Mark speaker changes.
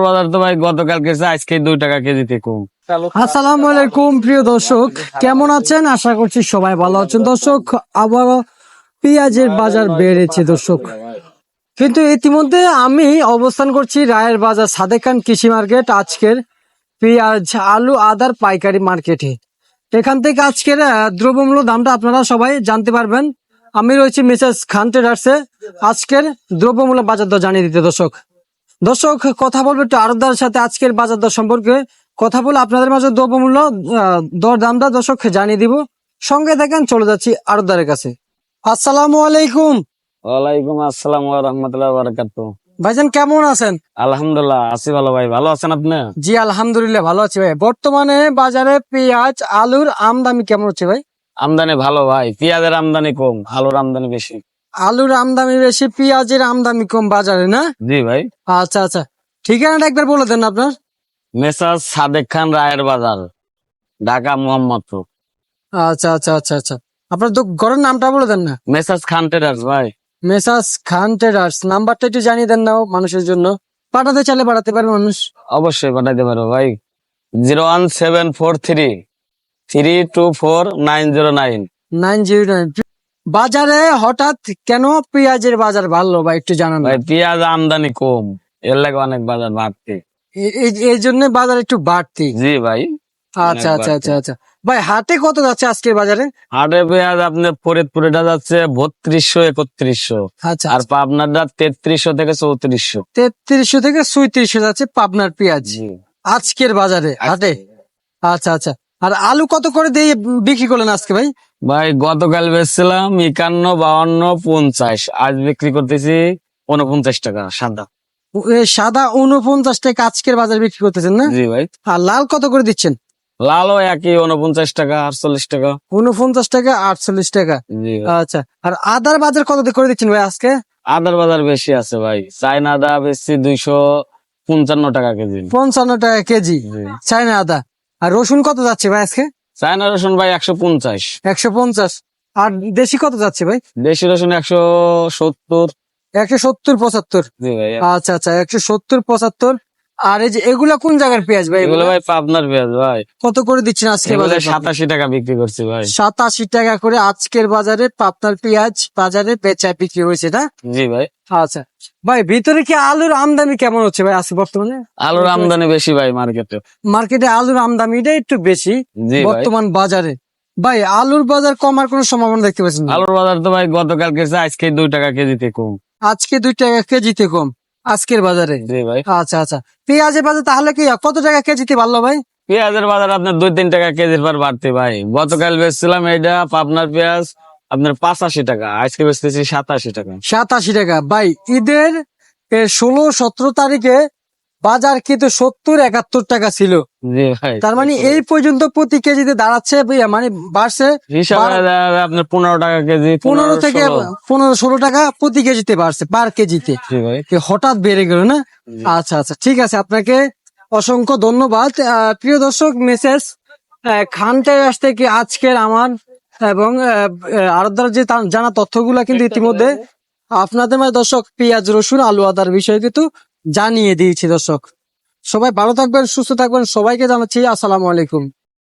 Speaker 1: বাজার তো ভাই গতকালকে আজকে 2 টাকা কেজিতে কম।
Speaker 2: আসসালামু আলাইকুম প্রিয় দর্শক, কেমন আছেন? আশা করছি সবাই ভালো আছেন। দর্শক, আবারও পেঁয়াজের বাজার বেড়েছে দর্শক, কিন্তু ইতিমধ্যে আমি অবস্থান করছি রায়ের বাজার সাদেক খান কৃষি মার্কেট। আজকের পেঁয়াজ, আলু, আদার পাইকারি মার্কেটে এখান থেকে আজকের দ্রব্যমূল্য দামটা আপনারা সবাই জানতে পারবেন। আমি রয়েছি মিসেস খান ট্রেডার্সে। আজকের দ্রব্যমূল্য বাজার দর জানিয়ে দিতে দর্শক কথা বলবো একটু আড়তদারের সাথে আজকের বাজার দর সম্পর্কে কথা বলে আপনাদের মাঝে দ্রব্যমূল্য দর দামটা দর্শক জানিয়ে দিব। সঙ্গে দেখেন, চলে যাচ্ছি আড়তদারের কাছে। আসসালামু আলাইকুম।
Speaker 1: ওয়ালাইকুম আসসালাম ওয়া রাহমাতুল্লাহি ওয়া বারাকাতুহু।
Speaker 2: ভাইজান কেমন আছেন?
Speaker 1: আলহামদুলিল্লাহ আছি ভালো ভাই, ভালো আছেন আপনি?
Speaker 2: জি আলহামদুলিল্লাহ ভালো আছি ভাই। বর্তমানে বাজারে পেঁয়াজ, আলুর আমদানি কেমন হচ্ছে ভাই?
Speaker 1: আমদানি ভালো ভাই, পেঁয়াজের আমদানি কম, আলুর আমদানি বেশি।
Speaker 2: আলুর আমদানি বেশি, পেঁয়াজের আমদানি কম বাজারে, না?
Speaker 1: জি ভাই।
Speaker 2: আচ্ছা আচ্ছা, ঠিকানাটা একবার বলে দেন আপনার।
Speaker 1: মেসাজ সাদেক খান রায়ের বাজার, ঢাকা মোহাম্মদপুর।
Speaker 2: আচ্ছা আচ্ছা আচ্ছা আচ্ছা, আপনার ঘরের নামটা বলে দেন না।
Speaker 1: মেসাজ খান ট্রেডার্স ভাই।
Speaker 2: মেসাস খান ট্রেডার্স, নাম্বারটা একটু জানিয়ে দেন না মানুষের জন্য। পাঠাতে চাইলে পাঠাতে পারবে মানুষ।
Speaker 1: অবশ্যই পাঠাইতে পারবো ভাই। 01743324909।
Speaker 2: 909। বাজারে হঠাৎ কেন পেঁয়াজের বাজার বাড়লো ভাই, একটু জানান
Speaker 1: ভাই পেঁয়াজ আমদানি কম, এর লাগে অনেক বাজার বাড়তি।
Speaker 2: এই জন্য বাজার একটু বাড়তি।
Speaker 1: জি ভাই।
Speaker 2: আচ্ছা আচ্ছা আচ্ছা আচ্ছা ভাই, হাটে কত যাচ্ছে আজকের বাজারে?
Speaker 1: হাটে পেঁয়াজ আপনার ফরিদপুরেটা যাচ্ছে 3200-3100,
Speaker 2: আচ্ছা
Speaker 1: আর পাবনারটা 3300 থেকে 3400।
Speaker 2: 3300 থেকে 3400 যাচ্ছে পাবনার পেঁয়াজ আজকের বাজারে হাটে। আচ্ছা আচ্ছা, আর আলু কত করে দিয়ে বিক্রি করলেন আজকে ভাই?
Speaker 1: ভাই গতকাল বেচছিলাম 51, 52, 50, আজ বিক্রি করতেছি 49 টাকা সাদা।
Speaker 2: সাদা 49 টাকা আজকের বাজারে বিক্রি করতেছেন, না?
Speaker 1: জি ভাই।
Speaker 2: আর লাল কত করে দিচ্ছেন?
Speaker 1: লালও একই 49 টাকা, 48 টাকা।
Speaker 2: 49 টাকা, 48 টাকা।
Speaker 1: জি ভাই।
Speaker 2: আচ্ছা, আর আদার বাজার কত দিয়ে করে দিচ্ছেন ভাই আজকে?
Speaker 1: আদার বাজার বেশি আছে ভাই, চাইনা আদা বেশি 255 টাকা কেজি।
Speaker 2: 55 টাকা কেজি
Speaker 1: জি।
Speaker 2: চাইনা আদা। আর রসুন কত যাচ্ছে ভাই আজকে?
Speaker 1: চাইনা রসুন ভাই 150।
Speaker 2: 150। আর দেশি কত যাচ্ছে ভাই?
Speaker 1: দেশি রসুন 170।
Speaker 2: 170, 75।
Speaker 1: জি ভাই।
Speaker 2: আচ্ছা আচ্ছা, 170, 75। আর এই যে এগুলা কোন জায়গার পেঁয়াজ ভাই?
Speaker 1: এগুলো ভাই পাবনার পেঁয়াজ ভাই।
Speaker 2: কত করে দিচ্ছেন আজকে
Speaker 1: এগুলো
Speaker 2: বাজারে?
Speaker 1: 87 টাকা বিক্রি করছি ভাই।
Speaker 2: 87 টাকা করে আজকের বাজারে পাবনার পেঁয়াজ বাজারে বেচায় বিক্রি হয়েছে, না?
Speaker 1: জি ভাই।
Speaker 2: আচ্ছা ভাই, ভিতরে কি আলুর আমদানি কেমন হচ্ছে ভাই আজকে বর্তমানে?
Speaker 1: আলুর আমদানি বেশি ভাই মার্কেটে।
Speaker 2: মার্কেটে আলুর আমদানিটা একটু বেশি
Speaker 1: জি ভাই।
Speaker 2: বর্তমান বাজারে। ভাই আলুর বাজার কমার কোনো সম্ভাবনা দেখতে পাচ্ছেন না?
Speaker 1: আলুর বাজার তো ভাই গতকালকে আজকে 2 টাকা কেজিতে কম।
Speaker 2: আজকে 2 টাকা কেজিতে কম আজকের বাজারে।
Speaker 1: জি ভাই।
Speaker 2: আচ্ছা আচ্ছা, পেঁয়াজের বাজার তাহলে কি কত টাকা কেজিতে বাড়লো ভাই?
Speaker 1: পেঁয়াজের বাজার আপনার 2-3 টাকা কেজির পর বাড়তে ভাই। গতকাল বেচছিলাম এটা পাবনার পেঁয়াজ আপনার 85 টাকা, আজকে বেচতেছি 87 টাকা।
Speaker 2: 87 টাকা। ভাই ঈদের 16-17 তারিখে বাজার কিন্তু 70-71 টাকা ছিল।
Speaker 1: জি ভাই।
Speaker 2: তার মানে এই পর্যন্ত প্রতি কেজিতে দাঁড়াচ্ছে মানে বাড়ছে
Speaker 1: হিসাবে আপনার 15 টাকা কেজি,
Speaker 2: 15 থেকে
Speaker 1: 16।
Speaker 2: 15-16 টাকা প্রতি কেজিতে বাড়ছে, পার কেজিতে।
Speaker 1: জি ভাই।
Speaker 2: হঠাৎ বেড়ে গেল, না? আচ্ছা আচ্ছা, ঠিক আছে, আপনাকে অসংখ্য ধন্যবাদ। প্রিয় দর্শক, মেসেজ খান ট্রেডার্স থেকে আজকের আমার এবং আরদার যে জানা তথ্যগুলা কিন্তু ইতিমধ্যে আপনাদের মাঝে দর্শক পেঁয়াজ, রসুন, আলু, আদার বিষয়ে কিন্তু জানিয়ে দিয়েছি। দর্শক সবাই ভালো থাকবেন, সুস্থ থাকবেন, সবাইকে জানাচ্ছি আসসালামু আলাইকুম।